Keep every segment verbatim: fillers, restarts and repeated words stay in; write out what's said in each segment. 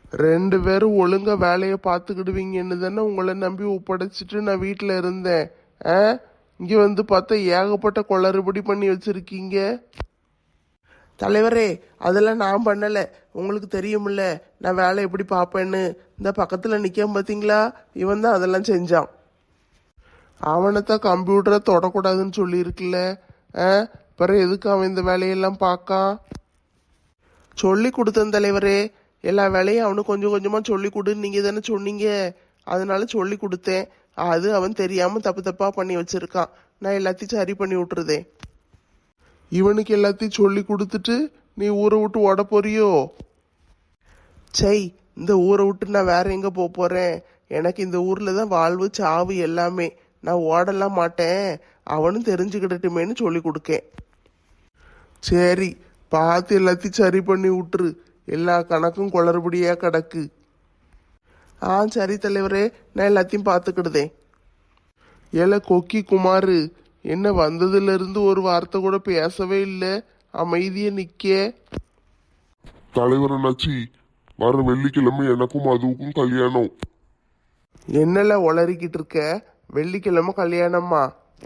ரெண்டு பேரும் ஒழுங்கா வேலையை பார்த்துக்கிடுவீங்கன்னு தானே உங்களை நம்பி ஒப்படைச்சிட்டு நான் வீட்டில் இருந்தேன். ஆ இங்கே வந்து பார்த்தா ஏகப்பட்ட குளறுபடி பண்ணி வச்சிருக்கீங்க. தலைவரே, அதெல்லாம் நான் பண்ணலை. உங்களுக்கு தெரியுமில்ல நான் வேலை எப்படி பார்ப்பேன்னு. இந்த பக்கத்தில் நிற்காம பார்த்தீங்களா, இவன் தான் அதெல்லாம் செஞ்சான். அவனைத்தான் கம்ப்யூட்டரை தொடக்கூடாதுன்னு சொல்லியிருக்குல்ல. ஆ பிறகு எதுக்கு அவன் இந்த வேலையெல்லாம் பார்க்கான்? சொல்லி கொடுத்தேன் தலைவரே. எல்லா வேலையும் அவனுக்கு கொஞ்சம் கொஞ்சமாக சொல்லி கொடுன்னு நீங்கள் தானே சொன்னீங்க. அதனால சொல்லி கொடுத்தேன். அது அவன் தெரியாமல் தப்பு தப்பாக பண்ணி வச்சிருக்கான். நான் எல்லாத்தையும் சரி பண்ணி விட்டுருதேன். இவனுக்கு எல்லாத்தையும் சொல்லி கொடுத்துட்டு நீ ஊரை விட்டு ஓட போறியோ? சை, இந்த ஊரை விட்டு நான் வேற எங்கே போக போகிறேன்? எனக்கு இந்த ஊரில் தான் வாழ்வு சாவு எல்லாமே. நான் ஓடலாம் மாட்டேன். அவனும் தெரிஞ்சுக்கிடட்டுமேன்னு சொல்லி கொடுக்கேன். சரி, பார்த்து எல்லாத்தையும் சரி பண்ணி விட்டுரு. எல்லா கணக்கும் குளறுபடியா கிடக்கு. ஆ சரி தலைவரே, நான் எல்லாத்தையும் பார்த்துக்கிடுதேன். ஏல கொக்கி குமாரு, என்ன வந்ததுல இருந்து ஒரு வார்த்தை கூட பேசவே இல்லை, அமைதியே நிக்க. தலைவர் அண்ணாச்சி, வர வெள்ளிக்கிழமை எனக்கும் அதுவுக்கும் கல்யாணம். என்னல உளறிக்கிட்டு இருக்க? வெள்ளிக்கிழமை கல்யாணமா?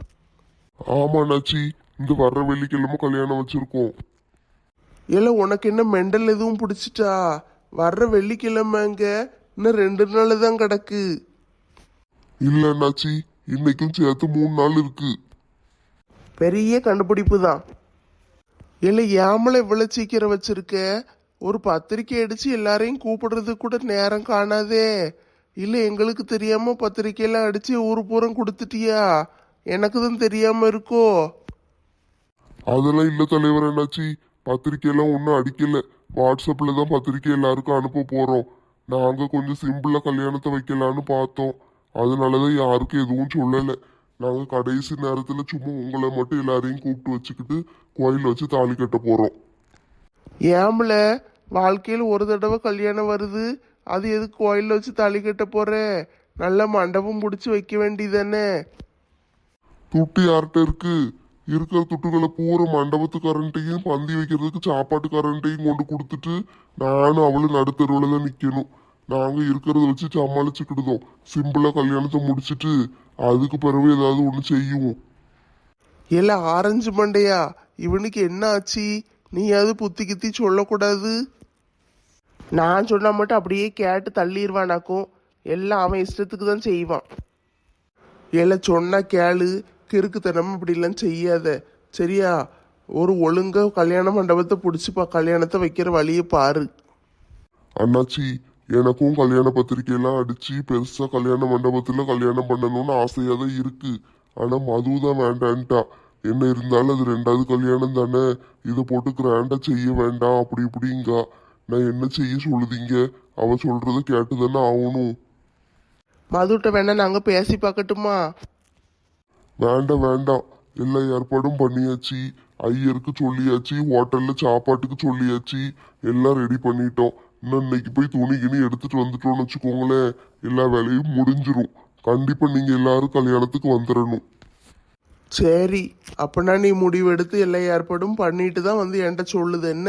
ஆமா அண்ணாச்சி, இந்த வர்ற வெள்ளிக்கிழமை கல்யாணம் வச்சிருக்கோம். ஏல உனக்கு என்ன மெண்டல் எதுவும் பிடிச்சிட்டா? வர்ற வெள்ளிக்கிழமைங்க இன்னும் ரெண்டு நாள் தான் கிடக்கு. இல்ல அண்ணாச்சி, இன்னைக்கும் சேர்த்து மூணு நாள் இருக்கு. பெரிய கண்டுபிடிப்பு தான். இல்லை ஏமலை இவ்வளவு சீக்கிரம் வச்சிருக்க? ஒரு பத்திரிக்கை அடிச்சு எல்லாரையும் கூப்பிடுறது கூட நேரம் காணாதே. இல்லை எங்களுக்கு தெரியாம பத்திரிக்கையெல்லாம் அடிச்சு ஊரு பூரம் கொடுத்துட்டியா? எனக்கு தான் தெரியாம இருக்கோ? அதெல்லாம் இல்ல தலைவர் அண்ணாச்சி, பத்திரிக்கையெல்லாம் ஒன்றும் அடிக்கல. வாட்ஸ்அப்ல தான் பத்திரிக்கை எல்லாருக்கும் அனுப்ப போறோம். நாங்க கொஞ்சம் சிம்பிளா கல்யாணத்தை வைக்கலான்னு பார்த்தோம். அதனாலதான் யாருக்கும் எதுவும் சொல்லலை. நாங்க கடைசி நேரத்துல சும்மா உங்களை மட்டும் எல்லாரையும் கூப்பிட்டு வச்சுக்கிட்டு கோயில் வச்சு தாலி கட்ட போறோம். ஏம்ல, வாழ்க்கையில் ஒரு தடவை கல்யாணம் வருது, அது எதுக்கு கோயிலில் வச்சு தாலி கட்ட போற? நல்ல மண்டபம் பிடிச்சி வைக்க வேண்டியதானே? துட்டு யார்கிட்ட இருக்கு? இருக்கிற துட்டுகளை பூரா மண்டபத்துக்காரன்ட்டையும் பந்தி வைக்கிறதுக்கு சாப்பாட்டுக்காரன்ட்டையும் கொண்டு கொடுத்துட்டு நானும் அவளும் நடுத்தருவில் தான் நிற்கணும். நாங்கள் இருக்கிறத வச்சு சமாளிச்சுக்கிடுதோம். சிம்பிளா கல்யாணத்தை முடிச்சுட்டு அதுக்கு பிறகு ஏதாவது ஒன்று செய்யுவோம். இல்ல ஆரஞ்சு மண்டையா, இவனுக்கு என்ன ஆச்சு? நீ அது புத்தி கித்தி சொல்லக்கூடாது. நான் சொன்னா மட்டும் அப்படியே கேட்டு தள்ளிடுவானாக்கும். எல்லாம் அவன் இஷ்டத்துக்கு தான் செய்வான். இல்ல சொன்னா கேளு, கிறுக்குத்தனம் இப்படிலாம் செய்யாத, சரியா? ஒரு ஒழுங்கா கல்யாண மண்டபத்தை பிடிச்சிப்பா, கல்யாணத்தை வைக்கிற வழியை பாரு. அண்ணாச்சி, எனக்கும் கல்யாண பத்திரிக்கையெல்லாம் அடிச்சு பெருசா கல்யாண மண்டபத்துல கல்யாணம் பண்ணணும்னு ஆசையா தான் இருக்கு. ஆனா மது தான் வேண்டான்ட்டா. என்ன இருந்தாலும் அது ரெண்டாவது கல்யாணம் தானே, இதை போட்டு கிராண்டா செய்ய வேண்டாம் அப்படி இப்படிங்க. நான் என்ன செய்ய சொல்லுதீங்க? அவ சொல்றத கேட்டு தானே ஆகணும். மதுட்ட வேணா நாங்க பேசி பார்க்கட்டுமா? வேண்டாம் வேண்டாம், எல்லா ஏற்பாடும் பண்ணியாச்சு. ஐயருக்கு சொல்லியாச்சு, ஹோட்டல்ல சாப்பாட்டுக்கு சொல்லியாச்சு, எல்லாம் ரெடி பண்ணிட்டோம். இன்னும் இன்னைக்கு போய் துணி கிணி எடுத்துட்டு வந்துட்டோம்னு வச்சுக்கோங்களேன், எல்லா வேலையும் முடிஞ்சிரும். கண்டிப்பா நீங்க எல்லாரும் கல்யாணத்துக்கு வந்துடணும். சரி, அப்பனா நீ முடிவெடுத்து எல்லா ஏற்பாடும் பண்ணிட்டு தான் வந்து என்கிட்ட சொல்லுது என்ன?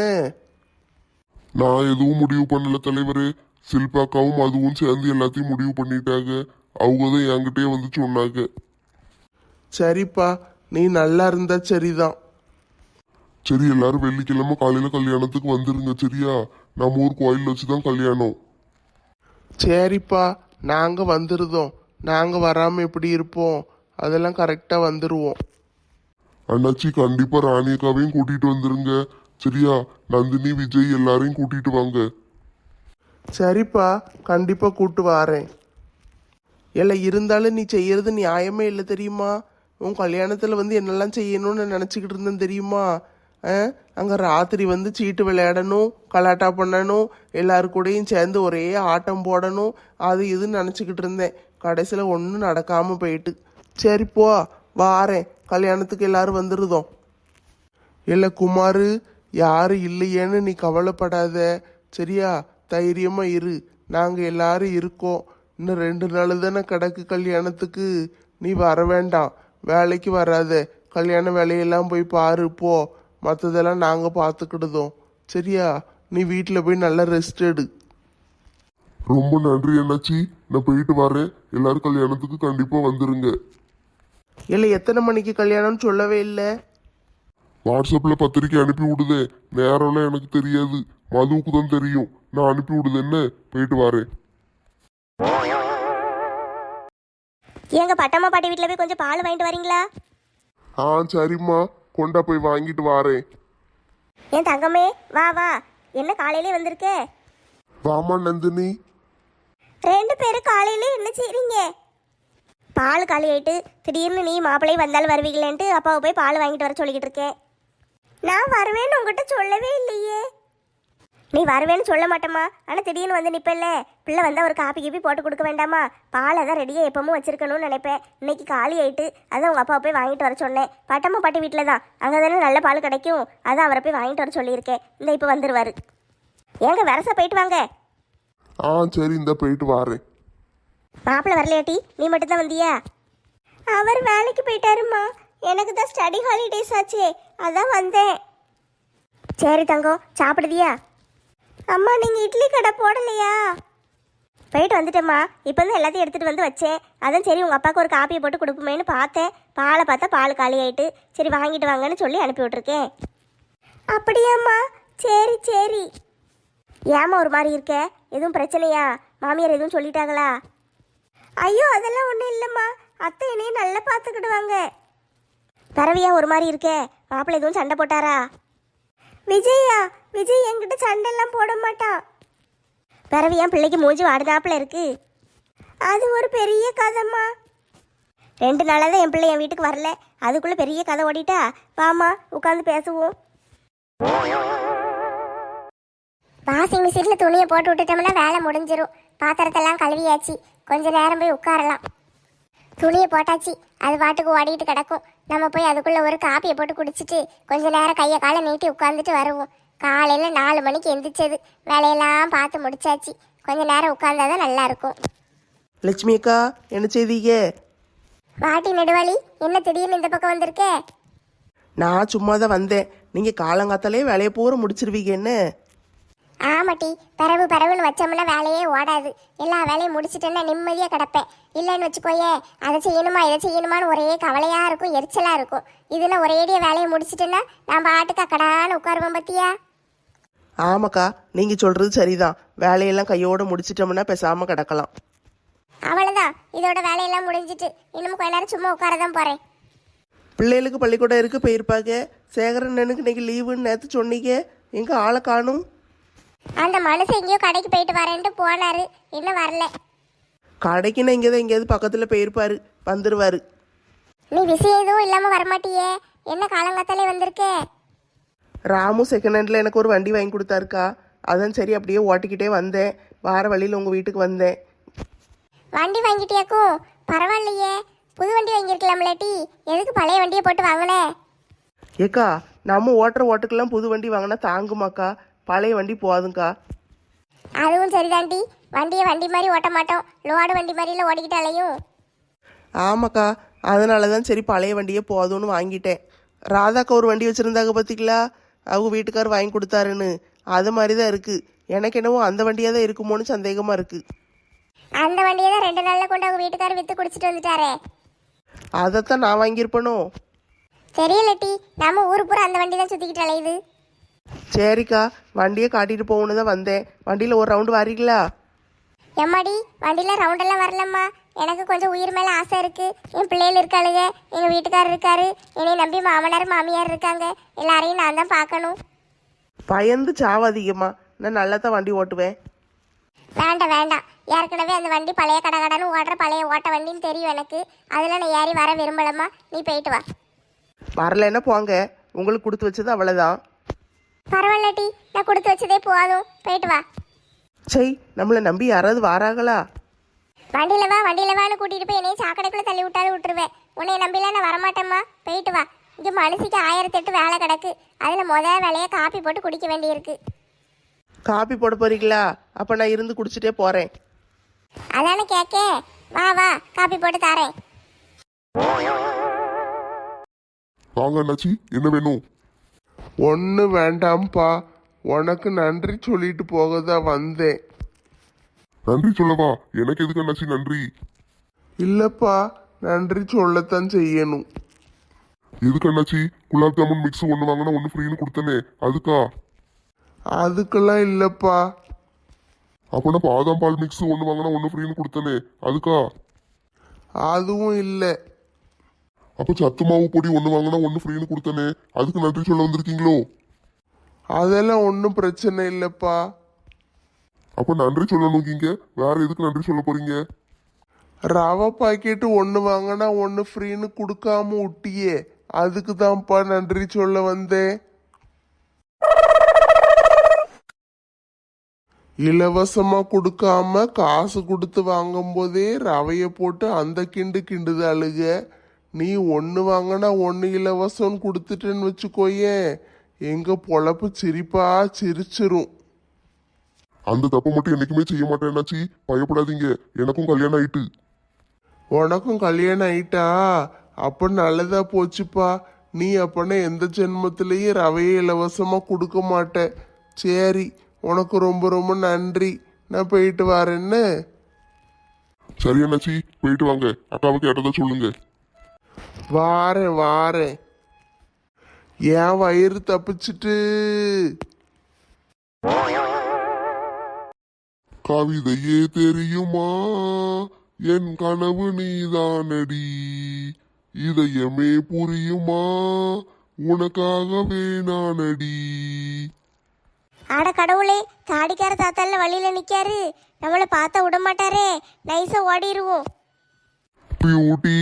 நான் எதுவும் முடிவு பண்ணல தலைவரே. சில்பாக்காவும் அதுவும் சேர்ந்து எல்லாத்தையும் முடிவு பண்ணிட்டாங்க. அவங்க தான் என்கிட்டயே வந்து சொன்னாங்க. சரிப்பா, நீ நல்லா இருந்தா சரிதான். சரி, எல்லாரும் வெள்ளிக்கிழமை காலையில கல்யாணத்துக்கு வந்துருங்க, சரியா? நம்ம ஊர் கோயில் வச்சுதான் கல்யாணம். சரிப்பா, நாங்க வந்துருதோம். நாங்க வராம எப்படி இருப்போம்? அதெல்லாம் கரெக்டா வந்துருவோம். அண்ணாச்சி, கண்டிப்பா ராணியக்காவையும் கூட்டிட்டு வந்துருங்க, சரியா? நந்தினி, விஜய் எல்லாரையும் கூட்டிட்டு வாங்க. சரிப்பா, கண்டிப்பா கூட்டு வாரேன். இல்லை இருந்தாலும் நீ செய்யறது நியாயமே இல்லை தெரியுமா? உன் கல்யாணத்தில் வந்து என்னெல்லாம் செய்யணும்னு நினச்சிக்கிட்டு இருந்தேன் தெரியுமா? அங்கே ராத்திரி வந்து சீட்டு விளையாடணும், கலாட்டா பண்ணணும், எல்லாரு கூடயும் சேர்ந்து ஒரே ஆட்டம் போடணும், அது இதுன்னு நினச்சிக்கிட்டு இருந்தேன். கடைசியில் ஒன்றும் நடக்காமல் போயிட்டு. சரி போ, வாரேன். கல்யாணத்துக்கு எல்லாரும் வந்துருதோம். இல்லை குமாரு, யாரும் இல்லையேன்னு நீ கவலைப்படாத, சரியா? தைரியமா இரு, நாங்கள் எல்லாரும் இருக்கோம். இன்னும் ரெண்டு நாள் தானே கிடக்கு கல்யாணத்துக்கு. நீ வர வேண்டாம், வேலைக்கு வராத. கல்யாண வேலையெல்லாம் போய் பாரு போ. மற்றதெல்லாம் நாங்கள் பார்த்துக்கிடுதோம், சரியா? நீ வீட்டில் போய் நல்லா ரெஸ்ட் எடு. ரொம்ப நன்றி அண்ணாச்சி, நான் போயிட்டு வரேன். எல்லாரும் கல்யாணத்துக்கு கண்டிப்பா வந்துருங்க. இல்லை எத்தனை மணிக்கு கல்யாணம்னு சொல்லவே இல்லை. வாட்ஸ்அப்ல பத்திரிக்கை அனுப்பி விடுதே, நேரம்லாம் எனக்கு தெரியாது, மதுவுக்கு தான் தெரியும். நான் அனுப்பி விடுது என்ன, போயிட்டு வரேன். எங்க பட்டம்மா பாட்டி வீட்டில் போய் கொஞ்சம் பால் வாங்கிட்டு வரீங்களா? ஆ சரிம்மா, கொண்டா போய் வாங்கிட்டு வரேன். என் தங்கமே வா வா, என்ன காலையிலே வந்திருக்கே? வாமா நந்தினி. ரெண்டு பேரும் காலையிலே என்ன செய்றீங்க? பால் காலி ஆயிட்டு திடீர்னு நீ மாப்பிள்ளையும் வந்தாலும் வருவீங்களேன்ட்டு அப்பாவை போய் பால் வாங்கிட்டு வர சொல்லிக்கிட்டு இருக்கேன். நான் வருவேன்னு உங்ககிட்ட சொல்லவே இல்லையே. நீ வருவேன்னு சொல்ல மாட்டேம்மா, ஆனால் திடீர்னு வந்து நிற்பல்ல, பிள்ளை வந்தால் ஒரு காப்பி கீப்பி போட்டு கொடுக்க வேண்டாமா? பாலை தான் ரெடியாக எப்பவும் வச்சிருக்கணும்னு நினைப்பேன். இன்னைக்கு காலி ஆயிட்டு அதான் உங்கள் அப்பாவை போய் வாங்கிட்டு வர சொன்னேன். பட்டம்மா பாட்டி வீட்டில் தான், அங்கே தானே நல்ல பால் கிடைக்கும், அதான் அவரை போய் வாங்கிட்டு வர சொல்லியிருக்கேன். இந்த இப்போ வந்துடுவார். ஏங்க வரசா போயிட்டு வாங்க. ஆ சரி, இந்த போயிட்டு வரேன். மாப்பிள்ளை வரலையாட்டி, நீ மட்டும்தான் வந்தியா? அவர் வேலைக்கு போயிட்டாருமா, எனக்கு தான் ஸ்டடி ஹாலிடேஸ் ஆச்சே, அதான் வந்தேன். சரி தங்கம், சாப்பிடுதியா? அம்மா நீங்கள் இட்லி கடை போடலையா? போயிட்டு வந்துட்டேம்மா, இப்போ தான் எல்லாத்தையும் எடுத்துகிட்டு வந்து வச்சேன். அதான் சரி உங்கள் அப்பாவுக்கு ஒரு காப்பியை போட்டு கொடுப்போமேன்னு பார்த்தேன். பாலை பார்த்தா பால் காலி ஆயிட்டு, சரி வாங்கிட்டு வாங்கன்னு சொல்லி அனுப்பி விட்ருக்கேன். அப்படியாம்மா, சரி சரி. ஏம்மா ஒரு மாதிரி இருக்க, எதுவும் பிரச்சனையா? மாமியார் எதுவும் சொல்லிட்டாங்களா? ஐயோ அதெல்லாம் ஒன்றும் இல்லைம்மா, அத்தை என்னையும் நல்லா பார்த்துக்கிடுவாங்க. பரவியா ஒரு மாதிரி இருக்கே, மாப்பிள்ளை எதுவும் சண்டை போட்டாரா? விஜயா, விஜய் என்கிட்ட சண்டைலாம் போட மாட்டான். பரவியா பிள்ளைக்கு மூஞ்சி வாடுதாப்புல இருக்கு. அது ஒரு பெரிய கதைம்மா. ரெண்டு நாளாக தான் என் பிள்ளை என் வீட்டுக்கு வரல, அதுக்குள்ளே பெரிய கதை ஓடிட்டா. வாமா உட்காந்து பேசுவோம். வாஷிங் மிஷினில் துணியை போட்டு விட்டுட்டோம்னா வேலை முடிஞ்சிடும். பாத்திரத்தெல்லாம் கழுவியாச்சு, கொஞ்ச நேரம் போய் உட்காரலாம். துணியை போட்டாச்சு, அது பாட்டுக்கு ஓடிட்டு கிடக்கும். நம்ம போய் அதுக்குள்ளே ஒரு காப்பியை போட்டு குடிச்சிட்டு கொஞ்ச நேரம் கையை காலை நீட்டி உட்காந்துட்டு வருவோம். காலையில் நாலு மணிக்கு எந்திரிச்சது, வேலையெல்லாம் பார்த்து முடிச்சாச்சு. கொஞ்ச நேரம் உட்கார்ந்தாதான் நல்லா இருக்கும். லட்சுமி அக்கா, என்ன செய்தீங்க? பாட்டி நெடுவாளி, என்ன திடீர்னு இந்த பக்கம் வந்திருக்கே? நான் சும்மா தான் வந்தேன். நீங்கள் காலங்காத்தாலே வேலையை பூரா முடிச்சிருவீங்க என்ன? ஆமாட்டி, பரவு பரவுன்னு வச்சோம்னா வேலையே ஓடாது. எல்லா வேலையும் முடிச்சிட்டேன்னா நிம்மதியாக கிடப்பேன். இல்லைன்னு வச்சுக்கோயே, அதை செய்யணுமா இதை செய்யணுமான்னு ஒரே கவலையாக இருக்கும், எரிச்சலாக இருக்கும். இதுனா ஒரேடியாக வேலையை முடிச்சிட்டேன்னா நான் பாட்டுக்கு அக்கடான்னு உட்காருவோம் பத்தியா. ஆமாக்கா, நீங்கள் சொல்கிறது சரிதான். வேலையெல்லாம் கையோடு முடிச்சிட்டோம்னா பேசாமல் கிடக்கலாம். அவ்வளோதான், இதோட வேலையெல்லாம் முடிஞ்சிட்டு இன்னும் கொஞ்ச நேரம் சும்மா உட்கார தான் போகிறேன். பிள்ளைகளுக்கு பள்ளிக்கூடம் இருக்கு போயிருப்பாங்க. சேகரண்ணனுக்கு இன்னைக்கு லீவுன்னு நேற்று சொன்னீங்க, எங்கே ஆளை காணும்? அந்த மனுஷன் எங்கேயோ கடைக்கு போயிட்டு வரேன்ட்டு போனாரு, இன்னும் வரல. கடைக்குன்னா இங்கே தான் எங்கேயாவது பக்கத்தில் போயிருப்பாரு, வந்துடுவார். நீ விஷயம் எதுவும் இல்லாமல் வரமாட்டியே, என்ன காலங்காத்தாலே வந்திருக்கே? ராமு செகண்ட் ஹேண்டில் எனக்கு ஒரு வண்டி வாங்கி கொடுத்தாருக்கா, அதான் சரி அப்படியே ஓட்டிக்கிட்டே வந்தேன். வார வழியில் உங்கள் வீட்டுக்கு வந்தேன். வண்டி வாங்கிட்டியாக்கும்? பரவாயில்லையே, புது வண்டி வாங்கியிருக்கலாம்லாட்டி, எதுக்கு பழைய வண்டியை போட்டு வாங்கினே? ஏக்கா, நம்ம ஓட்டுற ஓட்டுக்கெல்லாம் புது வண்டி வாங்கினா தாங்குமாக்கா, பழைய வண்டி போதுங்க்கா. அதுவும் சரிதாண்டி, வண்டியை வண்டி மாதிரி ஓட்ட மாட்டோம், லோடு வண்டி மாதிரில ஓடிக்கிட்டாலையும். ஆமாக்கா, அதனால தான் சரி பழைய வண்டியே போதும்னு வாங்கிட்டேன். ராதாக்கா ஒரு வண்டி வச்சுருந்தாங்க பார்த்தீங்களா, அவங்க வீட்டுக்கார் வாங்கி கொடுத்தாருன்னு, அது மாதிரி தான் இருக்குது. எனக்கு என்னவோ அந்த வண்டியாக தான் இருக்குமோன்னு சந்தேகமாக இருக்குது. அந்த வண்டியை தான் ரெண்டு நாளில் கொண்டு அவங்க வீட்டுக்காரர் விற்று குடிச்சிட்டு வந்துட்டாரே. அதைத்தான் நான் வாங்கியிருப்பேனோ தெரியலட்டி, நம்ம ஊர் பூரா அந்த வண்டி தான் சுற்றிக்கிட்டு அலையுது. சரிக்கா, வண்டியை காட்டிட்டு போகணுன்னு தான் வந்தேன். வண்டியில் ஒரு ரவுண்டு வரீங்களா? எம்மாடி, வண்டியில் ரவுண்டெல்லாம் வரலம்மா, எனக்கு கொஞ்சம் உயிர் மேலே ஆசை இருக்குது. என் பிள்ளைகள் இருக்காளுங்க, எங்கள் வீட்டுக்காரர் இருக்காரு, என்னை நம்பி மாமனார் மாமியார் இருக்காங்க, எல்லாரையும் நான் தான் பார்க்கணும். பயந்து சாவாதீங்கம்மா, நான் நல்லா தான் வண்டி ஓட்டுவேன். வேண்டாம் வேண்டாம், ஏற்கனவே அந்த வண்டி பழைய கடகடன்னு ஓடுற பழைய ஓட்ட வண்டின்னு தெரியும் எனக்கு. அதில் நான் ஏறி வர விரும்பலம்மா, நீ போயிட்டு வா. வரலைன்னா போங்க, உங்களுக்கு கொடுத்து வச்சது அவ்வளோதான். பரவாயில்லட்டி, நான் கொடுத்து வச்சதே போதும், போயிட்டு வா. சை, நம்மளை நம்பி யாராவது வாராங்களா? வண்டியில வா வண்டியில வான்னு கூட்டிட்டு போய் என்னையும் சாக்கடைக்குள்ள தள்ளி விட்டாலும் விட்டுருவேன். உன்னை நம்பிலாம் நான் வரமாட்டேம்மா, போயிட்டு வா. இங்கே மனுஷிக்கு ஆயிரத்தி எட்டு வேலை கிடக்கு, அதில் முதல் வேலையை காப்பி போட்டு குடிக்க வேண்டியிருக்கு. காப்பி போட போறீங்களா? அப்போ நான் இருந்து குடிச்சிட்டே போகிறேன். அதானே கேட்க, வா வா காப்பி போட்டு தரேன். வாங்க அண்ணாச்சி, என்ன வேணும்? ஒன்று வேண்டாம்ப்பா, உனக்கு நன்றி சொல்லிட்டு போக தான் வந்தேன். நன்றி சொல்லவா? எனக்கு எதுக்கு அண்ணாச்சி நன்றி? இல்லப்பா, நன்றி சொல்லத்தான் செய்யணும். எதுக்கு அண்ணாச்சி? குலாப் ஜாமுன் மிக்ஸ் ஒன்று வாங்கினா ஒன்று ஃப்ரீன்னு கொடுத்தனே, அதுக்கா? அதுக்கெல்லாம் இல்லப்பா. அப்பனா பாதாம் பால் மிக்ஸ் ஒன்று வாங்கினா ஒன்று ஃப்ரீன்னு கொடுத்தனே, அதுக்கா? அதுவும் இல்லை. அப்ப சத்து மாவு பொடி ஒன்று வாங்கினா ஒன்று ஃப்ரீன்னு கொடுத்தனே, அதுக்கு நன்றி சொல்ல வந்திருக்கீங்களோ? அதெல்லாம் ஒன்றும் பிரச்சனை இல்லப்பா. அப்ப நன்றி சொல்லணுங்கீங்க, வேற எதுக்கு நன்றி சொல்ல போறீங்க? ரவை பாக்கெட்டு ஒன்று வாங்கினா ஒன்று ஃப்ரீன்னு கொடுக்காம விட்டியே, அதுக்கு தான்ப்பா நன்றி சொல்ல வந்தேன். இலவசமா கொடுக்காம காசு கொடுத்து வாங்கும் போதே ரவைய போட்டு அந்த கிண்டு கிண்டுது அழுக. நீ ஒன்று வாங்கினா ஒன்று இலவசம்னு கொடுத்துட்டேன்னு வச்சுக்கோயேன், எங்க பொழப்பு சிரிப்பா சிரிச்சிரும். அந்த தப்பை மட்டும் என்னைக்குமே செய்ய மாட்டேன்னாச்சி, பயப்படாதீங்க, எனக்கும் கல்யாணம் ஆயிட்டு. உனக்கும் கல்யாணம் ஆயிட்டா? அப்ப நல்லதா போச்சுப்பா. நீ அப்பனா எந்த ஜென்மத்திலையும் ரவையை இலவசமா கொடுக்க மாட்ட. சரி, உனக்கு ரொம்ப ரொம்ப நன்றி. நான் போயிட்டு வரேன்னு. சரி அண்ணாச்சி, போயிட்டு வாங்க. அக்காவுக்கு கேட்டதா சொல்லுங்க. வாரேன் வாரேன். என் வயிறு தப்பிச்சிட்டு. கவிதையே தெரியுமா, என் கனவு நீதானடி, இதயமே புரியுமா, உனக்காகவே நானடி. ஆட கடவுளே, தாடிக்கார தாத்தால வழியில நிக்காரு. நம்மளை பார்த்தா விட மாட்டாரே, நைஸா ஓடிடுவோம். பியூட்டி.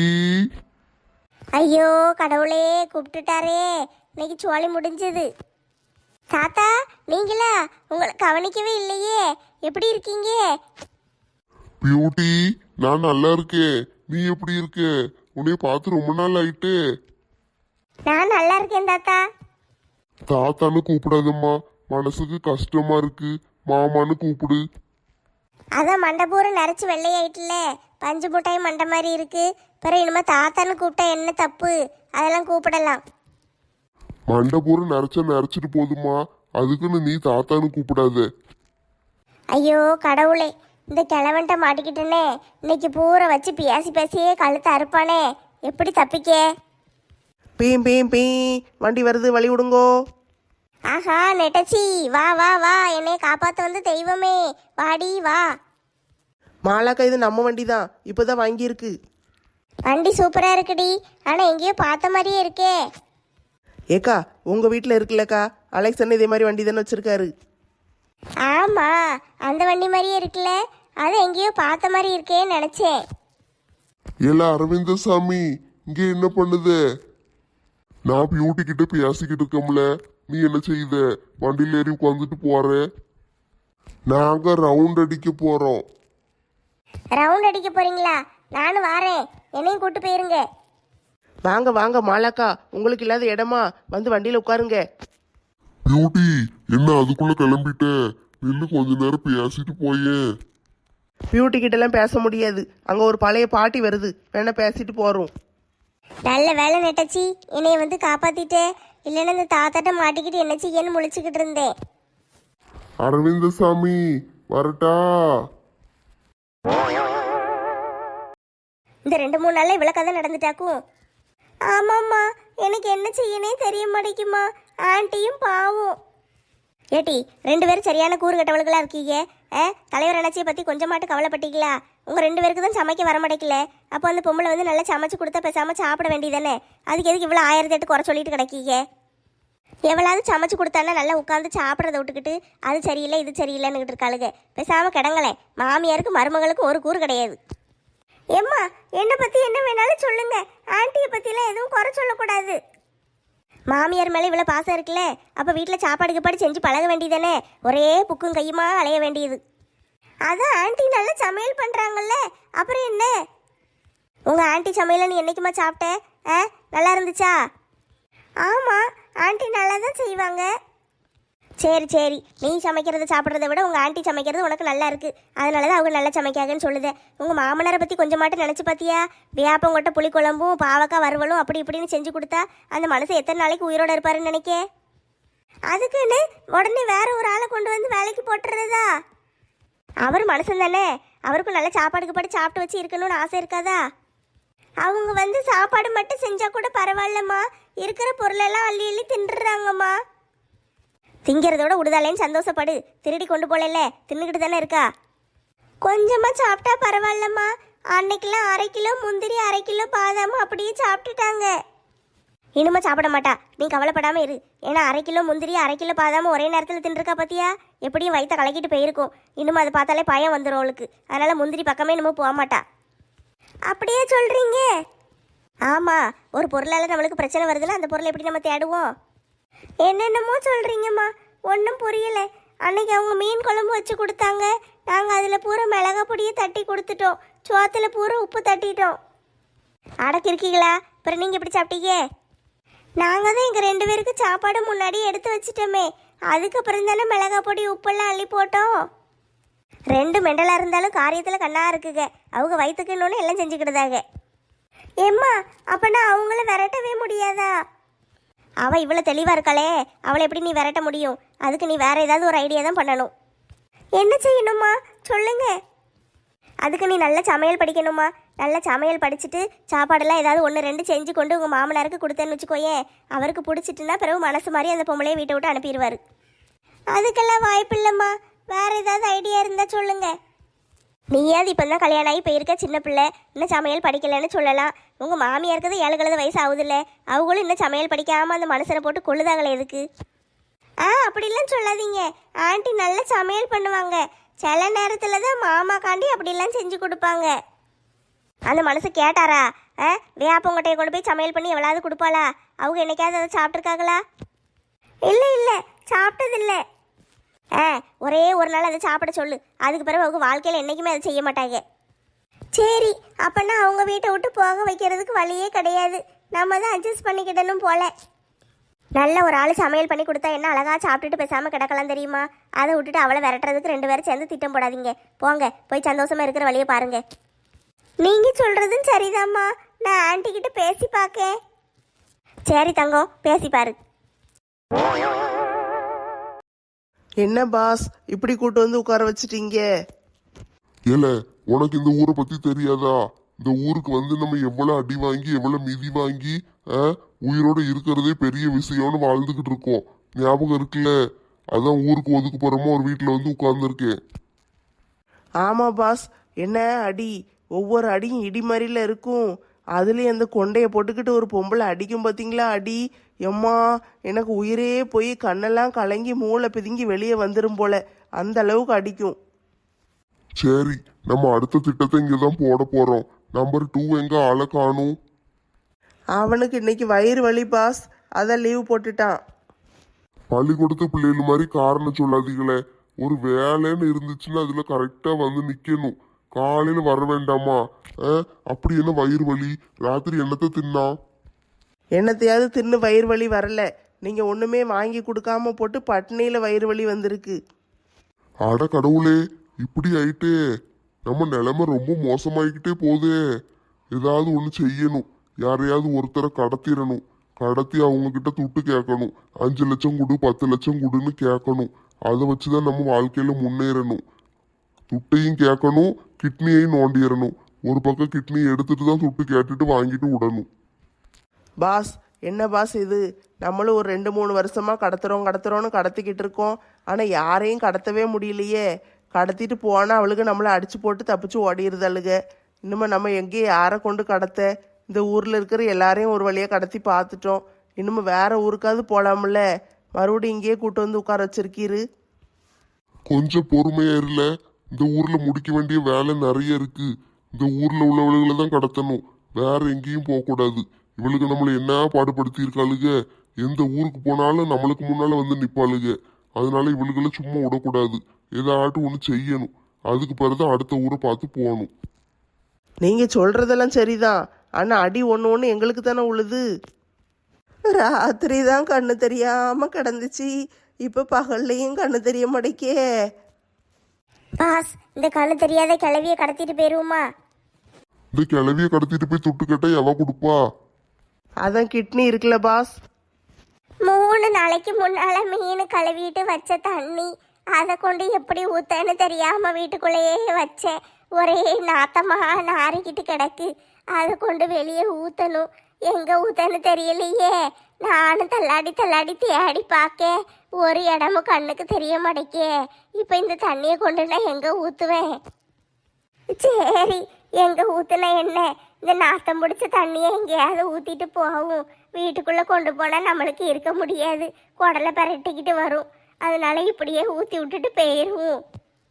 ஐயோ கடவுளே, கூப்பிட்டுட்டாரே, இன்னைக்கு சோழி முடிஞ்சது. தாத்தா நீங்களா? உங்களை கவனிக்கவே இல்லையே, எப்படி இருக்கீங்க? பியூட்டி, நான் நல்லா இருக்கேன். நீ எப்படி இருக்க? உன்னைய பார்த்து ரொம்ப நாள் ஆயிட்டு. நான் நல்லா இருக்கேன் தாத்தா. தாத்தான்னு கூப்பிடாதம்மா, மனசுக்கு கஷ்டமா இருக்கு. மாமான்னு கூப்பிடு. அதான் மண்டபூரம் நிறச்சி வெள்ளையாயிட்டுல, பஞ்சு முட்டாய் மண்டை மாதிரி இருக்கு. பிறகு இனிமே தாத்தான்னு கூப்பிட்டா என்ன தப்பு? அதெல்லாம் கூப்பிடலாம். மண்டபூரம் நிறைச்சா நிறைச்சிட்டு போதுமா, அதுக்குன்னு நீ தாத்தான்னு கூப்பிடாத. ஐயோ கடவுளே, இந்த கிழவன்ட்ட மாட்டிக்கிட்டேனே. இன்னைக்கு பூரா வச்சு பேசி பேசியே கழுத்தை அறுப்பானே, எப்படி தப்பிக்க? பீம் பீம் பீ, வண்டி வருது, வழி விடுங்கோ. ஆஹா நெட்டச்சி, வா வா வா, என்னை காப்பாற்ற வந்து தெய்வமே, வாடி வா. மாலாக்கா, இது நம்ம வண்டி தான், இப்போதான் வாங்கியிருக்கு. வண்டி சூப்பரா இருக்குடி, ஆனா எங்கேயோ பார்த்த மாதிரியே இருக்கே. ஏக்கா, உங்க வீட்டில் இருக்குல்லக்கா, அலெக்ஸ் அண்ணன் இதே மாதிரி வண்டி தானே வச்சிருக்காரு. ஆமா, அந்த வண்டி மாதிரியே இருக்குல்ல, அதை எங்கேயோ பார்த்த மாதிரி இருக்கேன்னு நினைச்சேன். ஏல அரவிந்த சாமி, இங்க என்ன பண்ணுது? நான் பியூட்டி கிட்ட பேசிக்கிட்டு இருக்கோம்ல, நீ என்ன செய்த? வண்டியில ஏறி உட்காந்துட்டு போற. நாங்க ரவுண்ட் அடிக்க போறோம். ரவுண்ட் அடிக்க போறீங்களா? நானும் வாரேன், என்னையும் கூட்டு போயிருங்க. வாங்க வாங்க மாலாக்கா, உங்களுக்கு இல்லாத இடமா, வந்து வண்டியில் உட்காருங்க. பியூட்டி, என்ன அதுக்குள்ள கிளம்பிட்ட? நின்று கொஞ்ச நேரம் பேசிட்டு போயேன். பியூட்டி கிட்டலாம் பேச முடியாது, அங்கே ஒரு பழைய பாட்டி வருது, வேணா பேசிட்டு போகிறோம். நல்ல வேலை நெட்டச்சி, என்னைய வந்து காப்பாத்திட்டே. இல்லைன்னா இந்த தாத்தாட்ட மாட்டிக்கிட்டு என்ன செய்யன்னு முழிச்சுக்கிட்டு இருந்தேன். அரவிந்த சாமி வரட்டா? இந்த ரெண்டு மூணு நாள்ல இவ்வளவு கதை நடந்துட்டாக்கும். ஆமாம்மா, எனக்கு என்ன செய்யனே தெரிய மாட்டேங்குமா. ஆண்டியும் பாவம். ஏட்டி, ரெண்டு பேரும் சரியான கூறு கட்டவளுகளா இருக்கீங்க. ஆ, தலைவர் அண்ணாச்சியை பத்தி கொஞ்சமாட்டு கவலைப்பட்டீங்களா? உங்க ரெண்டு பேருக்கு தான் சமைக்க வர மாட்டேங்கல. அப்போ அந்த பொம்பளை வந்து நல்லா சமைச்சு கொடுத்தா பேசாம சாப்பிட வேண்டியதானே. அதுக்கு எதுக்கு இவ்வளோ ஆயிரத்தி எட்டு குறை சொல்லிட்டு கிடக்கீங்க? எவ்வளவு சமைச்சு கொடுத்தானா நல்லா உட்காந்து சாப்பிட்றத விட்டுக்கிட்டு அது சரியில்லை இது சரியில்லைன்னுகிட்டு இருக்காளுங்க. பேசாம கிடங்களேன். மாமியாருக்கு மருமகளுக்கு ஒரு கூறு கிடையாது. ஏம்மா, என்னை பத்தி என்ன வேணாலும் சொல்லுங்க, ஆண்டியை பத்திலாம் எதுவும் குறை சொல்லக்கூடாது. மாமியார் மேலே இவ்வளோ பாசம் இருக்குல்ல, அப்போ வீட்டில் சாப்பாடு கீப்பாடு செஞ்சு பழக வேண்டியதானே. ஒரே புக்கும் கையுமா அலைய வேண்டியது. அதான் ஆண்டி நல்லா சமையல் பண்ணுறாங்கல்ல, அப்புறம் என்ன? உங்கள் ஆண்டி சமையலை நீ என்னைக்குமா சாப்பிட்ட? ஆ, நல்லா இருந்துச்சா? ஆமாம், ஆண்டி நல்லா தான் செய்வாங்க. சரி சரி, நீ சமைக்கிறத சாப்பிட்றத விட உங்கள் ஆண்டி சமைக்கிறது உனக்கு நல்லா இருக்குது, அதனால தான் அவங்க நல்லா சமைக்காங்கன்னு சொல்லுது. உங்கள் மாமனாரை பற்றி கொஞ்சமாட்டு நினச்சி பார்த்தியா? வேப்பங்கொட்டை புளிக்குழம்பும் பாவக்காய் வறுவலும் அப்படி இப்படின்னு செஞ்சு கொடுத்தா அந்த மனுஷன் எத்தனை நாளைக்கு உயிரோடு இருப்பாருன்னு நினைக்க? அதுக்குன்னு உடனே வேற ஒரு ஆளை கொண்டு வந்து வேலைக்கு போட்டுறதா? அவர் மனுஷன் தானே, அவருக்கும் நல்ல சாப்பாடுக்கு பாட்டு சாப்பிட்டு வச்சு இருக்கணும்னு ஆசை இருக்காதா? அவங்க வந்து சாப்பாடு மட்டும் செஞ்சா கூட பரவாயில்லம்மா, இருக்கிற பொருளெல்லாம் அள்ளி அள்ளி தின்றுறாங்கம்மா. திங்கிறதோட விடுதலேன்னு சந்தோஷப்படு. திருடி கொண்டு போகல, தின்னுக்கிட்டு தானே இருக்கா. கொஞ்சமாக சாப்பிட்டா பரவாயில்லம்மா. அன்னைக்கெல்லாம் அரை கிலோ முந்திரி அரை கிலோ பாதாம் அப்படியே சாப்பிட்டுட்டாங்க. இனிமே சாப்பிட மாட்டா, நீ கவலைப்படாமல் இரு. ஏன்னா அரை கிலோ முந்திரி அரை கிலோ பாதாம ஒரே நேரத்தில் தின்றுருக்கா பார்த்தியா? எப்படியும் வயிற்ற கலக்கிட்டு போயிருக்கும். இன்னும் அதை பார்த்தாலே பயம் வந்துடும் அவளுக்கு. அதனால் முந்திரி பக்கமே இன்னமும் போக மாட்டா. அப்படியே சொல்கிறீங்க? ஆமாம், ஒரு பொருளால் நம்மளுக்கு பிரச்சனை வருதுன்னா அந்த பொருளை எப்படி நம்ம தேடுவோம்? என்னென்னமோ சொல்கிறீங்கம்மா, ஒன்றும் புரியலை. அன்னைக்கு அவங்க மீன் குழம்பு வச்சு கொடுத்தாங்க. நாங்கள் அதில் பூரா மிளகா பொடியை தட்டி கொடுத்துட்டோம். சோத்தில் பூரா உப்பு தட்டிட்டோம். அடக்கிருக்கீங்களா? அப்புறம் நீங்கள் எப்படி சாப்பிட்டீங்க? நாங்கள் தான் எங்கள் ரெண்டு பேருக்கு சாப்பாடு முன்னாடி எடுத்து வச்சிட்டோமே, அதுக்கப்புறம் தானே மிளகா பொடி உப்பெல்லாம் அள்ளி போட்டோம். ரெண்டு மெண்டலாக இருந்தாலும் காரியத்தில் கண்ணா இருக்குங்க. அவங்க வயிற்றுக்குன்னு எல்லாம் செஞ்சுக்கிட்டதாங்க. ஏம்மா, அப்போனா அவங்கள விரட்டவே முடியாதா? அவள் இவ்வளோ தெளிவாக இருக்காளே, அவளை எப்படி நீ விரட்ட முடியும்? அதுக்கு நீ வேறு ஏதாவது ஒரு ஐடியா தான் பண்ணணும். என்ன செய்யணுமா சொல்லுங்க. அதுக்கு நீ நல்ல சமையல் படிக்கணுமா. நல்ல சமையல் படிச்சுட்டு சாப்பாடெல்லாம் ஏதாவது ஒன்று ரெண்டு செஞ்சு கொண்டு உங்கள் மாமனாருக்கு கொடுத்தேன்னு வச்சுக்கோயேன். அவருக்கு பிடிச்சிட்டுன்னா பிறகு மனசு மாதிரி அந்த பொம்பளையை வீட்டை விட்டு அனுப்பிடுவார். அதுக்கெல்லாம் வாய்ப்பு இல்லைம்மா. வேறு ஏதாவது ஐடியா இருந்தால் சொல்லுங்க. நீயாவது இப்போ தான் கல்யாணம் ஆகி போயிருக்க சின்ன பிள்ளை, இன்னும் சமையல் படிக்கலைன்னு சொல்லலாம். உங்கள் மாமியாருக்குது ஏழு கழுத வயசு ஆகுதில்ல, அவங்களும் இன்னும் சமையல் படிக்காமல் அந்த மனுஷனை போட்டு கொள்ளுதாங்களே எதுக்கு? ஆ, அப்படிலாம் சொல்லாதீங்க. ஆண்டி நல்ல சமையல் பண்ணுவாங்க. சில நேரத்தில் தான் மாமா காண்டி அப்படிலாம் செஞ்சு கொடுப்பாங்க. அந்த மனசு கேட்டாரா? ஆ, வேப்பங்கொட்டையை கொண்டு போய் சமையல் பண்ணி எவ்வளவு கொடுப்பாளா? அவங்க என்னைக்காவது அதை சாப்பிட்ருக்காங்களா? இல்லை இல்லை, சாப்பிட்டதில்லை. ஆ, ஒரே ஒரு நாள் அதை சாப்பிட சொல்லு. அதுக்கு பிறகு அவங்க வாழ்க்கையில் என்றைக்குமே அதை செய்ய மாட்டாங்க. சரி, அப்போனா அவங்க வீட்டை விட்டு போக வைக்கிறதுக்கு வழியே கிடையாது. நம்ம தான் அட்ஜஸ்ட் பண்ணிக்கிடணும் போல. நல்ல ஒரு ஆள் சமையல் பண்ணி கொடுத்தா என்ன அழகாக சாப்பிட்டுட்டு பேசாமல் கிடக்கலாம் தெரியுமா? அதை விட்டுட்டு அவளை விரட்டுறதுக்கு ரெண்டு பேரும் சேர்ந்து திட்டம் போடாதீங்க. போங்க, போய் சந்தோஷமாக இருக்கிற வழியை பாருங்க. நீங்கள் சொல்கிறதும் சரிதாம்மா. நான் ஆன்ட்டி கிட்ட பேசி பார்க்கேன். சரி தங்கம், பேசி பாரு. என்ன பாஸ், இப்படி கூட்டு வந்து உட்கார வச்சிட்டீங்க? ஏல, உனக்கு இந்த ஊரை பத்தி தெரியாதா? இந்த ஊருக்கு வந்து நம்ம எவ்வளவு அடி வாங்கி எவ்வளவு மிதி வாங்கி ஆ, உயிரோட இருக்கிறதே பெரிய விஷயம்னு வாழ்ந்துகிட்டு இருக்கோம். ஞாபகம் இருக்குல்ல? அதான் ஊருக்கு ஒதுக்கு போறோமோ ஒரு வீட்டுல வந்து உட்கார்ந்துருக்கேன். ஆமா பாஸ், என்ன அடி! ஒவ்வொரு அடியும் இடி மாதிரில இருக்கும். அதுலேயும் அந்த கொண்டையை போட்டுக்கிட்டு ஒரு பொம்பளை அடிக்கும் பார்த்தீங்களா அடி! எம்மா, எனக்கு உயிரே போய் கண்ணெல்லாம் கலங்கி மூளை பிதுங்கி வெளியே வந்துடும் போல, அந்த அளவுக்கு அடிக்கும். சரி, நம்ம அடுத்த திட்டத்தை இங்கதான் போட போறோம். நம்பர் டூ எங்க ஆளை காணும்? அவனுக்கு இன்னைக்கு வயிறு வலி பாஸ், அதான் லீவ் போட்டுட்டான். பள்ளிக்கூடத்து பிள்ளைகள் மாதிரி காரணம் சொல்லாதீங்களே. ஒரு வேலைன்னு இருந்துச்சுன்னா அதுல கரெக்டா வந்து நிக்கணும். காலையில வர வேண்டாமா? அப்படி என்ன வயிறு வலி? ராத்திரி என்னத்தை தின்னா? என்னத்தையாவது தின்னு வயிறு வலி வரல. நீங்க ஒண்ணுமே வாங்கி கொடுக்காம போட்டு பட்னியில வயிறு வலி வந்திருக்கு. அட கடவுளே, இப்படி ஆயிட்டே. நம்ம நிலைமை ரொம்ப மோசமாயிக்கிட்டே போதே. ஏதாவது ஒண்ணு செய்யணும். யாரையாவது ஒருத்தரை கடத்திடணும். கடத்தி அவங்க கிட்ட துட்டு கேட்கணும். அஞ்சு லட்சம் கொடு, பத்து லட்சம் கொடுன்னு கேட்கணும். அதை வச்சுதான் நம்ம வாழ்க்கையில முன்னேறணும். துட்டையும் கேட்கணும், கிட்னியையும் நோண்டிடணும். ஒரு பக்கம் கிட்னி எடுத்துட்டு தான் துட்டு கேட்டுட்டு வாங்கிட்டு விடணும். பாஸ், என்ன பாஸ் இது? நம்மளும் ஒரு ரெண்டு மூணு வருஷமா கடத்துறோம் கடத்துறோன்னு கடத்திக்கிட்டு இருக்கோம். ஆனா யாரையும் கடத்தவே முடியலையே. கடத்திட்டு போனா அவளுக்கு நம்மளை அடிச்சு போட்டு தப்பிச்சு ஓடிடுதழுக. இனிமே நம்ம எங்கேயும் யாரை கொண்டு கடத்த? இந்த ஊர்ல இருக்கிற எல்லாரையும் ஒரு வழியா கடத்தி பார்த்துட்டோம். இனிமே வேற ஊருக்காவது போலாம்ல. மறுபடியும் இங்கேயே கூட்டு வந்து உட்கார வச்சிருக்கீரு. கொஞ்சம் பொறுமையா இருல. இந்த ஊர்ல முடிக்க வேண்டிய வேலை நிறைய இருக்கு. இந்த ஊர்ல உள்ளவளுகளை தான் கடத்தணும். வேற எங்கேயும் போக கூடாது. இவளுக்கு நம்மளை என்ன பாடுபடுத்தி இருக்காளுக. எந்த ஊருக்கு போனாலும் நம்மளுக்கு முன்னால வந்து நிப்பாளுக. அதனால இவளுகளை சும்மா விடக்கூடாது. ஏதாட்டும் ஒண்ணு செய்யணும். அதுக்கு பிறகுதான் அடுத்த ஊரை பார்த்து போகணும். நீங்க சொல்றதெல்லாம் சரிதான். ஆனா அடி ஒன்று ஒன்று எங்களுக்கு தானே உழுது. ராத்திரி தான் கண்ணு தெரியாம கிடந்துச்சு. இப்ப பகல்லையும் கண்ணு தெரிய மாட்டேக்கே. பாஸ், இந்த கண்ணு தெரியாத கிளவியை கடத்திட்டு போயிருவோமா? இந்த கிளவிய கடத்திட்டு போய் துட்டு கேட்டா எவ கொடுப்பா? அதான் கிட்னி இருக்குல்ல பாஸ். மூணு நாளைக்கு முன்னால மீன் கழுவிட்டு வச்ச தண்ணி அதை கொண்டு எப்படி ஊத்தன்னு தெரியாம வீட்டுக்குள்ளேயே வச்சேன். ஒரே நாத்தமா நாறிக்கிட்டு கிடக்கு. அதை கொண்டு வெளியே ஊத்தணும். எங்க ஊத்தன்னு தெரியலையே. நானும் தள்ளாடி தள்ளாடி தேடி பார்க்க ஒரு இடமும் கண்ணுக்கு தெரிய மாட்டேக்கே. இப்போ இந்த தண்ணியை கொண்டு நான் எங்க ஊத்துவேன்? சரி, எங்க ஊத்துனா என்ன, இந்த நாத்தம் பிடிச்ச தண்ணியை எங்கேயாவது ஊத்திட்டு போகும். வீட்டுக்குள்ள கொண்டு போனா நம்மளுக்கு இருக்க முடியாது, குடலை பரட்டிக்கிட்டு வரும். அதனால இப்படியே ஊத்தி விட்டுட்டு போயிருவோம்.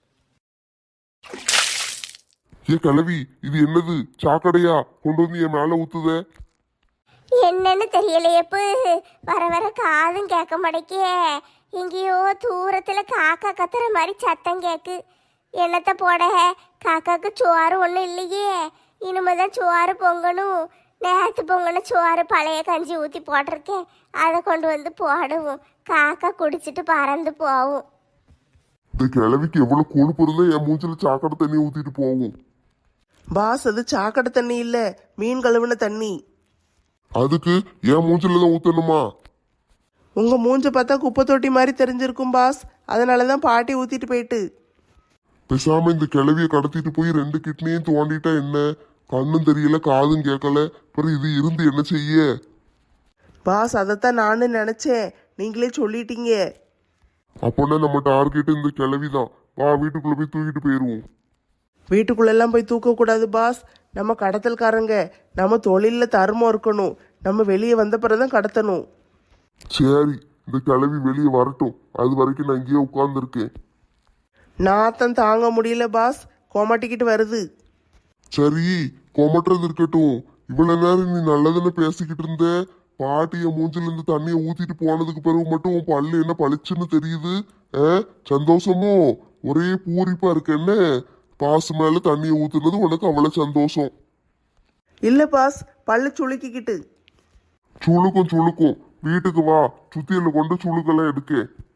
ஏ கிளவி, இது என்னது சாக்கடையா கொண்டு வந்து என் மேல ஊத்துத? என்னன்னு தெரியலையப்பு. வர வர காதும் கேட்க மாட்டேக்கே. எங்கேயோ தூரத்துல காக்கா கத்துற மாதிரி சத்தம் கேக்கு. என்னத்த போட, காக்காக்கு சோறு ஒன்றும் இல்லையே. இனிமேதான் சோறு பொங்கணும். நேற்று பொங்கன சோறு பழைய கஞ்சி ஊற்றி போட்டிருக்கேன். அதை கொண்டு வந்து போடுவோம். காக்கா குடிச்சிட்டு பறந்து போகும். இந்த கிளவிக்கு எவ்வளவு கொழுப்பு இருந்தா என் மூஞ்சில சாக்கடை தண்ணி ஊத்திட்டு போகும். பாஸ், அது சாக்கடை தண்ணி இல்ல, மீன் கழுவுன தண்ணி. அதுக்கு என் மூஞ்சில தான் ஊத்தணுமா? உங்க மூஞ்ச பார்த்தா குப்பை தொட்டி மாதிரி தெரிஞ்சிருக்கும் பாஸ். அதனாலதான் பாட்டி ஊத்திட்டு போயிட்டு. பேசாம இந்த கிளவிய கடத்திட்டு போய் ரெண்டு கிட்னியும் தோண்டிட்டா என்ன? கண்ணும் தெரியல, காதும் கேட்கல, அப்புறம் இது இருந்து என்ன செய்ய? பாஸ், அதைத்தான் நானும் நினைச்சேன். நீங்களே சொல்லிட்டீங்க. அப்போன்னா நம்ம டார்கெட் இந்த கிளவிதான். வா, வீட்டுக்குள்ள போய் தூக்கிட்டு போயிருவோம். வீட்டுக்குள்ளெல்லாம் போய் தூக்கக்கூடாது பாஸ். நம்ம கடத்தல்காரங்க. நம்ம தொழிலில் தர்மம் இருக்கணும். நம்ம வெளியே வந்த பிறகுதான் கடத்தணும். சரி, இந்த கிளவி வெளியே வரட்டும். அது வரைக்கும் நான் இங்கேயே உட்கார்ந்துருக்கேன். நாத்தம் தாங்க முடியல பாஸ், கோமாட்டிக்கிட்டு வருது. சரி, கொமட்டுறது இருக்கட்டும். இவ்வளவு நேரம் நீ நல்லதுன்னு பேசிக்கிட்டு இருந்த. பாட்டிய மூஞ்சில இருந்து தண்ணியை ஊத்திட்டு போனதுக்கு பிறகு மட்டும் உன் பல்லு என்ன பளிச்சுன்னு தெரியுது. சந்தோஷமோ? ஒரே பூரிப்பா இருக்கு என்ன? பாசு மேல தண்ணியை ஊத்துனது உனக்கு அவ்வளவு சந்தோஷம் இல்ல பாஸ், பல்லு சுளுக்கிக்கிட்டு. சுளுக்கும் சுளுக்கும். வீட்டுக்கு வா, சுத்தியில கொண்டு சுளுக்கெல்லாம் எடுக்க.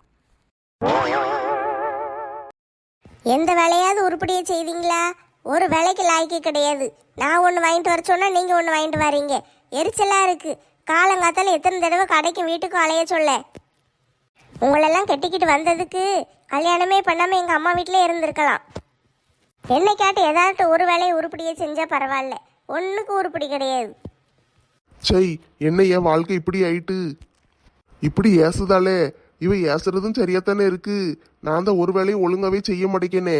எந்த வேலையாவது உருப்படியை செய்தீங்களா? ஒரு வேலைக்கு லாய்க்கு கிடையாது. நான் ஒன்று வாங்கிட்டு வர சொன்னா நீங்க ஒன்று வாங்கிட்டு வரீங்க. எரிச்சலா இருக்கு. காலங்காத்தால எத்தனை தடவை கடைக்கும் வீட்டுக்கும் அலைய சொல்ல. உங்களெல்லாம் கெட்டிக்கிட்டு வந்ததுக்கு கல்யாணமே பண்ணாம எங்க அம்மா வீட்டிலே இருந்திருக்கலாம். என்னை கேட்டு ஏதாவது ஒரு வேலையை உருப்படியை செஞ்சா பரவாயில்ல. ஒன்றுக்கு உருப்படி கிடையாது. சை, என்ன என் வாழ்க்கை இப்படி ஆயிட்டு? இப்படி ஏசுதாலே. இவ ஏசுறதும் சரியாத்தானே இருக்கு. நான் தான் ஒரு வேலையும் ஒழுங்காவே செய்ய மாட்டேங்கனே.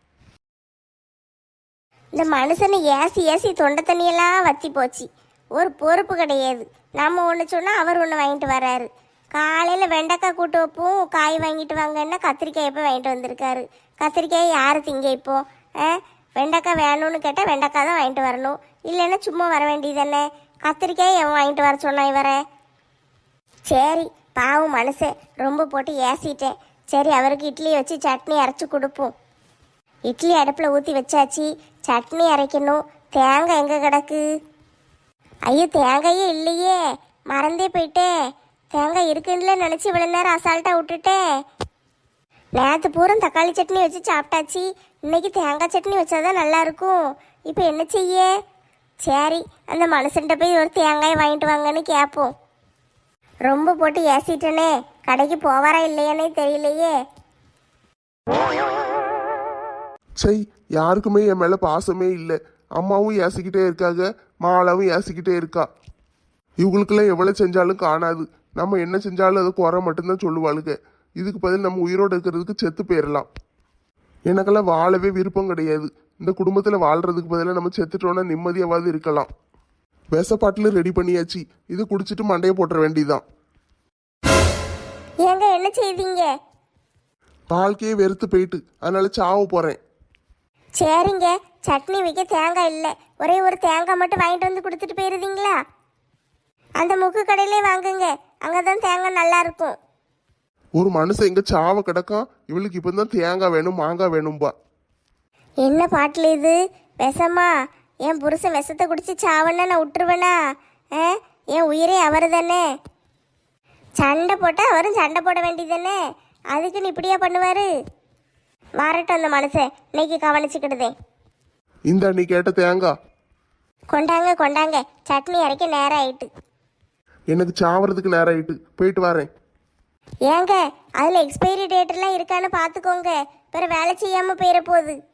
இந்த மனுஷனை ஏசி ஏசி தொண்டை தண்ணியெல்லாம் வத்தி போச்சு. ஒரு பொறுப்பு கிடையாது. நம்ம ஒன்று சொன்னால் அவர் ஒன்று வாங்கிட்டு வர்றாரு. காலையில் வெண்டைக்காய் கூட்டு வைப்போம், காய் வாங்கிட்டு வாங்கன்னா கத்திரிக்காய் எப்போ வாங்கிட்டு வந்திருக்காரு. கத்திரிக்காய் யார் திங்க இப்போ? ஆ, வெண்டைக்காய் வேணும்னு கேட்டால் வெண்டைக்காய் தான் வாங்கிட்டு வரணும். இல்லைன்னா சும்மா வர வேண்டியது தானே. கத்திரிக்காய் எவன் வாங்கிட்டு வர சொன்னா இவரை? சரி, பாவம் மனுஷன், ரொம்ப போட்டு ஏசிட்டேன். சரி, அவருக்கு இட்லி வச்சு சட்னி அரைச்சி கொடுப்போம். இட்லி அடுப்பில் ஊற்றி வச்சாச்சு. சட்னி அரைக்கணும். தேங்காய் எங்கே கிடக்கு? ஐயோ, தேங்காயே இல்லையே, மறந்தே போயிட்டேன். தேங்காய் இருக்குன்னு நினச்சி இவ்வளோ நேரம் அசால்ட்டாக விட்டுட்டேன். நேற்று பூரா தக்காளி சட்னி வச்சு சாப்பிட்டாச்சு. இன்னைக்கு தேங்காய் சட்னி வச்சாதான் நல்லா இருக்கும். இப்போ என்ன செய்ய? சரி, அந்த மனுஷன்ட்ட போய் ஒரு தேங்காய் வாங்கிட்டு வாங்கன்னு கேட்போம். ரொம்ப போட்டு ஏசிட்டனே, கடைக்கு போவாரா இல்லையானே தெரியலையே. சை, யாருக்குமே என் மேல பாசமே இல்லை. அம்மாவும் ஏசிக்கிட்டே இருக்காங்க, மாலாவும் ஏசிக்கிட்டே இருக்கா. இவங்களுக்கெல்லாம் எவ்வளவு செஞ்சாலும் காணாது. நம்ம என்ன செஞ்சாலும் அது குறை மட்டும்தான் சொல்லுவாளுங்க. இதுக்கு பதில் நம்ம உயிரோடு இருக்கிறதுக்கு செத்து போயிடலாம். எனக்கெல்லாம் வாழவே விருப்பம் கிடையாது. இந்த குடும்பத்துல வாழ்றதுக்கு பதிலாக நம்ம செத்துட்டோம்னா நிம்மதியாவது இருக்கலாம். விஷப்பாட்டில் ரெடி பண்ணியாச்சு. இது குடிச்சிட்டு மண்டையை போட்டுற வேண்டியதான். ஏங்க என்ன செய்வீங்க? வாழ்க்கையே வெறுத்து போயிட்டு அதனால சாவு போறேன். சரிங்க, சட்னி வைக்க தேங்காய் இல்லை. ஒரே ஒரு தேங்காய் மட்டும் வாங்கிட்டு வந்து கொடுத்துட்டு போயிருந்தீங்களா? அந்த முக்கு கடையிலே வாங்குங்க, அங்கதான் தேங்காய் நல்லா இருக்கும். ஒரு மனுஷன் எங்க சாவ கிடக்கான். இவளுக்கு இப்பதான் தேங்காய் வேணும், மாங்காய் வேணும்பா. என்ன பாட்டில் இது? விஷமா? என் புருஷன் விஷத்தை குடிச்சு சாவன்னா நான் விட்டுருவேனா? ஆ, என் உயிரே அவர் தானே. சண்டை போட்டால் அவரும் சண்டை போட வேண்டியது தானே. அதுக்குன்னு இப்படியா பண்ணுவாரு? வரட்டும் அந்த மனுஷன், இன்னைக்கு கவனிச்சுக்கிடுதே. இந்த நீ கேட்ட தேங்காய் கொண்டாங்க கொண்டாங்க, சட்னி அரைக்க நேரம் ஆயிட்டு. எனக்கு சாவறதுக்கு நேரம் ஆயிட்டு, போயிட்டு வரேன். ஏங்க அதில் எக்ஸ்பைரி டேட் எல்லாம் இருக்கான்னு பார்த்துக்கோங்க. பிற வேலை செய்யாமல் போயிட போகுது.